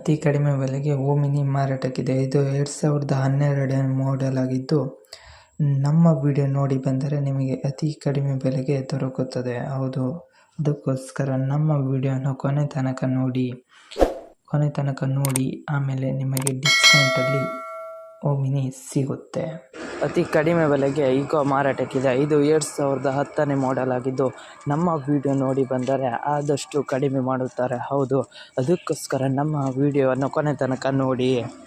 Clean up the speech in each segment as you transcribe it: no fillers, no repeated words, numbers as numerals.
ಅತಿ ಕಡಿಮೆ ಬೆಲೆಗೆ ಓಮಿನಿ ಮಾರಾಟಕ್ಕಿದೆ. ಇದು 2012 ಮಾಡೆಲ್ ಆಗಿದ್ದು, ನಮ್ಮ ವಿಡಿಯೋ ನೋಡಿ ಬಂದರೆ ನಿಮಗೆ ಅತಿ ಕಡಿಮೆ ಬೆಲೆಗೆ ದೊರಕುತ್ತದೆ. ಹೌದು, ಅದಕ್ಕೋಸ್ಕರ ನಮ್ಮ ವಿಡಿಯೋನ ಕೊನೆ ತನಕ ನೋಡಿ ಆಮೇಲೆ ನಿಮಗೆ ಡಿಸ್ಕೌಂಟಲ್ಲಿ ಓಮಿನಿ ಸಿಗುತ್ತೆ. ಅತಿ ಕಡಿಮೆ ಬೆಲೆಗೆ ಈಗೋ ಮಾರಾಟಕ್ಕಿದೆ. ಇದು 2010 ಮಾಡೆಲ್ ಆಗಿದ್ದು, ನಮ್ಮ ವಿಡಿಯೋ ನೋಡಿ ಬಂದರೆ ಆದಷ್ಟು ಕಡಿಮೆ ಮಾಡುತ್ತಾರೆ. ಹೌದು, ಅದಕ್ಕೋಸ್ಕರ ನಮ್ಮ ವಿಡಿಯೋವನ್ನು ಕೊನೆ ತನಕ ನೋಡಿ.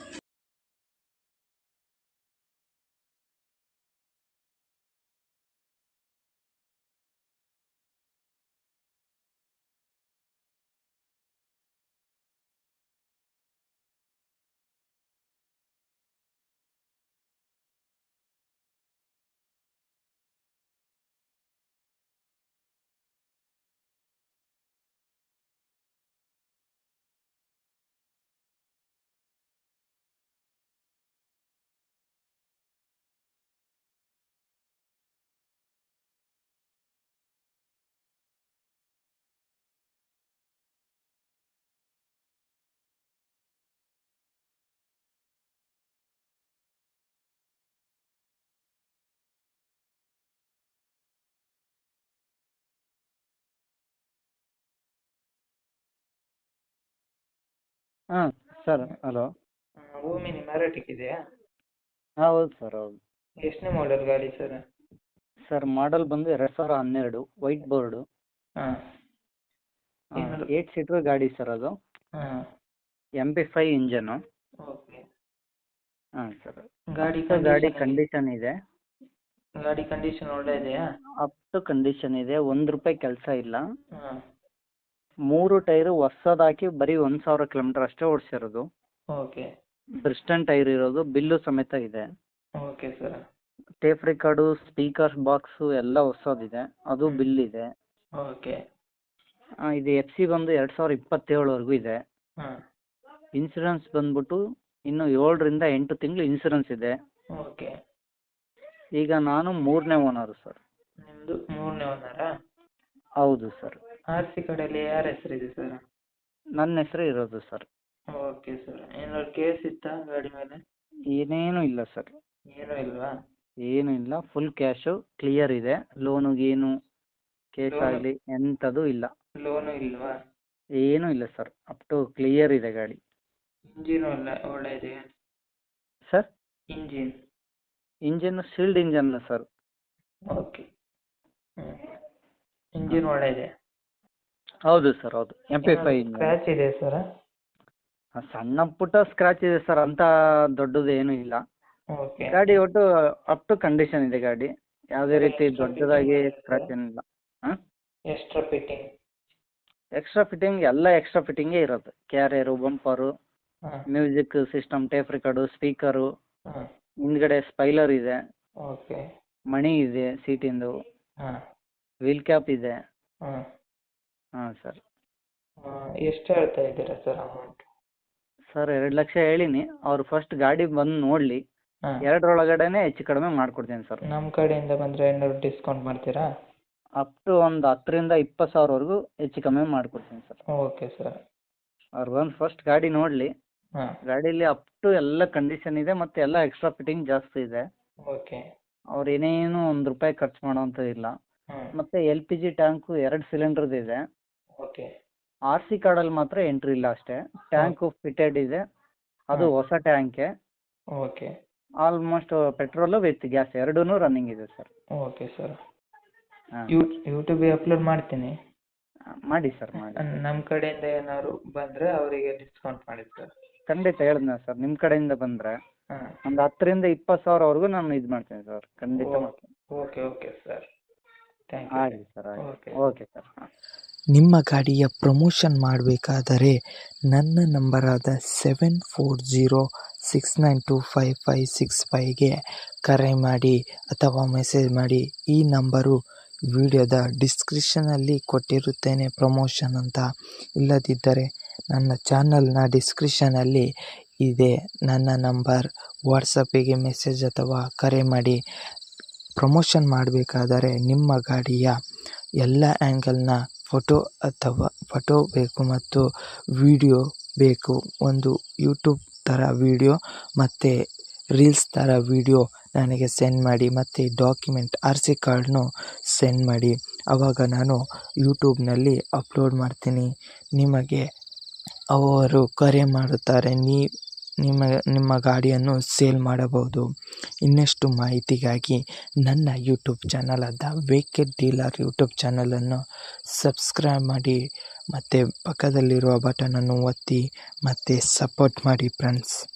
ಹಾಂ ಸರ್, ಹಲೋ. ಓಮಿನಿ ಮಾರಾಟಕ್ಕಿದೆಯಾ? ಹೌದು ಸರ್, ಹೌದು. ಎಷ್ಟನೇ ಮಾಡೆಲ್ ಗಾಡಿ ಸರ್? ಸರ್ ಮಾಡಲ್ ಬಂದು 2012 ವೈಟ್ ಬೋರ್ಡು. ಹಾಂ 8 ಸೀಟ್ರ್ ಗಾಡಿ ಸರ್ ಅದು. ಹಾಂ MP5 ಇಂಜನು. ಓಕೆ. ಹಾಂ ಸರ್. ಗಾಡಿ ಕಂಡೀಷನ್ ಇದೆ. ಗಾಡಿ ಕಂಡೀಷನ್ ಒಳ್ಳೆ ಇದೆಯಾ? ಅಪ್ ಟು ಕಂಡೀಷನ್ ಇದೆ. ₹1 ಕೆಲಸ ಇಲ್ಲ. ಹಾಂ 3 ಟೈರು ಹೊಸದಾಕಿ ಬರೀ 1,000 ಕಿಲೋಮೀಟರ್ ಅಷ್ಟೇ ಓಡಿಸಿರೋದು. ಓಕೆ. ಬ್ರಿಸ್ಟನ್ ಟೈರ್ ಇರೋದು, ಬಿಲ್ಲು ಸಮೇತ ಇದೆ. Okay sir. Tape record, speaker box ಎಲ್ಲ ಹೊಸದಿದೆ, ಅದು ಬಿಲ್ ಇದೆ. ಓಕೆ. ಇದು FC ಬಂದು 2027ವರೆಗೂ ಇದೆ. ಹಾಂ ಇನ್ಸೂರೆನ್ಸ್ ಬಂದ್ಬಿಟ್ಟು ಇನ್ನು 7ರಿಂದ 8 ತಿಂಗಳು ಇನ್ಸೂರೆನ್ಸ್ ಇದೆ. ಓಕೆ. ಈಗ ನಾನು 3ನೇ ಓನರು ಸರ್. ನಿಮ್ಮದು 3ನೇ ಓನರಾ? ಹೌದು ಸರ್. RC ಕಡೆಯಲ್ಲಿ ಯಾರ ಹೆಸರಿದೆ ಸರ್? ನನ್ನ ಹೆಸರು ಇರೋದು ಸರ್. Okay sir. ಏನಾದ್ರು ಕೇಸ್ ಇತ್ತಾ ಗಾಡಿ ಮೇಲೆ? ಏನೇನು ಇಲ್ಲ ಸರ್. ಏನೂ ಇಲ್ವಾ? ಏನೂ ಇಲ್ಲ, ಫುಲ್ ಕ್ಯಾಶು ಕ್ಲಿಯರ್ ಇದೆ. ಲೋನು ಗೀನು ಕೇಸ್ ಆಗಲಿ ಎಂಥದ್ದು ಇಲ್ಲ. ಲೋನು ಇಲ್ವಾ? ಏನೂ ಇಲ್ಲ ಸರ್, ಅಪ್ ಟು ಕ್ಲಿಯರ್ ಇದೆ ಗಾಡಿ. ಇಂಜಿನ್ ಒಳ್ಳೆ ಇದೆಯಾ sir? Engine shield engine sir. Okay. Engine ಒಳ್ಳೆ ಇದೆ. ಹೌದು ಸರ್, ಹೌದು. MP5 engine. ಸ್ಕ್ರ್ಯಾಚ್ ಇದೆ ಸರ್? ಸಣ್ಣ ಪುಟ್ಟ ಸ್ಕ್ರಾಚ್ ಇದೆ ಸರ್, ಅಂತ ದೊಡ್ಡದು ಏನೂ ಇಲ್ಲ. ಓಕೆ. ಗಾಡಿ ಒಟ್ಟು ಅಪ್ ಟು ಕಂಡೀಷನ್ ಇದೆ ಗಾಡಿ. ಯಾವುದೇ ರೀತಿ ದೊಡ್ಡದಾಗಿ ಸ್ಕ್ರಾಚ್ ಏನಿಲ್ಲ. ಹಾಂ, ಎಕ್ಸ್ಟ್ರಾ ಫಿಟ್ಟಿಂಗ್? ಎಕ್ಸ್ಟ್ರಾ ಫಿಟ್ಟಿಂಗ್ ಎಲ್ಲ ಎಕ್ಸ್ಟ್ರಾ ಫಿಟ್ಟಿಂಗೇ ಇರೋದು. ಕ್ಯಾರಿಯರು, ಬಂಪರು, ಹಾಂ music system, tape record, speaker, ಹಾಂ ಹಿಂದ್ಗಡೆ ಸ್ಪೈಲರ್ ಇದೆ, ಓಕೆ. ಮಣಿ ಇದೆ ಸೀಟಿಂದು, ಹಾಂ ವೀಲ್ ಕ್ಯಾಪ್ ಇದೆ. ಹಾಂ ಹಾಂ ಸರ್. ಎಷ್ಟು ಹೇಳ್ತಾ ಇದ್ದೀರಾ ಸರ್ ಅಮೌಂಟ್? ಸರ್ 2 ಲಕ್ಷ ಹೇಳಿನಿ. ಅವ್ರು ಫಸ್ಟ್ ಗಾಡಿ ಬಂದು ನೋಡಲಿ, ಹಾಂ 2ರೊಳಗಡೆನೇ ಹೆಚ್ಚು ಕಡಿಮೆ ಮಾಡಿಕೊಡ್ತೀನಿ ಸರ್. ನಮ್ಮ ಕಡೆಯಿಂದ ಬಂದರೆ ಏನಾದ್ರು ಡಿಸ್ಕೌಂಟ್ ಮಾಡ್ತೀರಾ? ಅಪ್ ಟು ಒಂದು 10ರಿಂದ 20 ಸಾವಿರವರೆಗೂ ಹೆಚ್ಚು ಕಮ್ಮಿ ಮಾಡಿಕೊಡ್ತೀನಿ ಸರ್. Okay sir. ಅವ್ರು ಬಂದು ಫಸ್ಟ್ ಗಾಡಿ ನೋಡಲಿ. ಹಾಂ ಗಾಡೀಲಿ ಅಪ್ ಟು ಎಲ್ಲ ಕಂಡೀಷನ್ ಇದೆ, ಮತ್ತು ಎಲ್ಲ ಎಕ್ಸ್ಟ್ರಾ ಫಿಟ್ಟಿಂಗ್ ಜಾಸ್ತಿ ಇದೆ. ಓಕೆ. ಅವ್ರು ಏನೇನು ₹1 ಖರ್ಚು ಮಾಡೋವಂಥದ್ದು ಇಲ್ಲ. ಹಾಂ ಮತ್ತು LPG ಟ್ಯಾಂಕು 2 ಸಿಲಿಂಡ್ರದ್ದು ಇದೆ. ಓಕೆ. RC ಕಾರ್ಡಲ್ಲಿ ಮಾತ್ರ ಎಂಟ್ರಿ ಇಲ್ಲ ಅಷ್ಟೇ. ಟ್ಯಾಂಕು ಫಿಟೆಡ್ ಇದೆ, ಅದು ಹೊಸ ಟ್ಯಾಂಕೆ. Okay. Almost petrol with gas ಎರಡೂ ರನ್ನಿಂಗ್ ಇದೆ ಸರ್. Okay sir. ಹಾಂ, ಯೂಟ್ಯೂಬಿಗೆ ಅಪ್ಲೋಡ್ ಮಾಡ್ತೀನಿ. ಮಾಡಿ ಸರ್, ಮಾಡಿ. ನಮ್ಮ ಕಡೆಯಿಂದ ಏನಾದ್ರು ಬಂದರೆ ಅವರಿಗೆ ಡಿಸ್ಕೌಂಟ್ ಮಾಡಿ ಸರ್. ಖಂಡಿತ ಹೇಳಿದ್ನ ಸರ್, ನಿಮ್ಮ ಕಡೆಯಿಂದ ಬಂದರೆ ಹಾಂ ಒಂದು 10ರಿಂದ 20 ಸಾವಿರವರೆಗೂ ನಾನು ಇದು ಮಾಡ್ತೀನಿ ಸರ್, ಖಂಡಿತ ಮಾಡ್ತೀನಿ. Okay okay sir. Thank you. ಆಗಲಿ ಸರ್, ಆಗಲಿ. ಓಕೆ. Okay sir. ಹಾಂ. ನಿಮ್ಮ ಗಾಡಿಯ ಪ್ರಮೋಷನ್ ಮಾಡಬೇಕಾದರೆ ನನ್ನ ನಂಬರಾದ 7406925565ಗೆ ಕರೆ ಮಾಡಿ ಅಥವಾ ಮೆಸೇಜ್ ಮಾಡಿ. ಈ ನಂಬರು ವಿಡಿಯೋದ ಡಿಸ್ಕ್ರಿಪ್ಷನಲ್ಲಿ ಕೊಟ್ಟಿರುತ್ತೇನೆ ಪ್ರಮೋಷನ್ ಅಂತ. ಇಲ್ಲದಿದ್ದರೆ ನನ್ನ ಚಾನಲ್ನ ಡಿಸ್ಕ್ರಿಪ್ಷನಲ್ಲಿ ಇದೆ ನನ್ನ ನಂಬರ್. ವಾಟ್ಸಪ್ಪಿಗೆ ಮೆಸೇಜ್ ಅಥವಾ ಕರೆ ಮಾಡಿ. ಪ್ರಮೋಷನ್ ಮಾಡಬೇಕಾದರೆ ನಿಮ್ಮ ಗಾಡಿಯ ಎಲ್ಲ ಆ್ಯಂಗಲ್ನ ಫೋಟೋ ಬೇಕು ಮತ್ತು ವಿಡಿಯೋ ಬೇಕು. ಒಂದು ಯೂಟ್ಯೂಬ್ ಥರ ವೀಡಿಯೋ ಮತ್ತು ರೀಲ್ಸ್ ಥರ ವೀಡಿಯೋ ನನಗೆ ಸೆಂಡ್ ಮಾಡಿ, ಮತ್ತು ಡಾಕ್ಯುಮೆಂಟ್ RC ಕಾರ್ಡ್ನು ಸೆಂಡ್ ಮಾಡಿ. ಆವಾಗ ನಾನು ಯೂಟ್ಯೂಬ್ನಲ್ಲಿ ಅಪ್ಲೋಡ್ ಮಾಡ್ತೀನಿ. ನಿಮಗೆ ಅವರು ಕರೆ ಮಾಡುತ್ತಾರೆ, ನಿಮ್ಮ ಗಾಡಿಯನ್ನು ಸೇಲ್ ಮಾಡಬಹುದು. ಇನ್ನಷ್ಟು ಮಾಹಿತಿಗಾಗಿ ನನ್ನ ಯೂಟ್ಯೂಬ್ ಚಾನಲ್ ಆದ ವೆಹಿಕಲ್ ಡೀಲರ್ ಯೂಟ್ಯೂಬ್ ಚಾನಲನ್ನು ಸಬ್ಸ್ಕ್ರೈಬ್ ಮಾಡಿ ಮತ್ತು ಪಕ್ಕದಲ್ಲಿರುವ ಬಟನನ್ನು ಒತ್ತಿ ಮತ್ತು ಸಪೋರ್ಟ್ ಮಾಡಿ ಫ್ರೆಂಡ್ಸ್.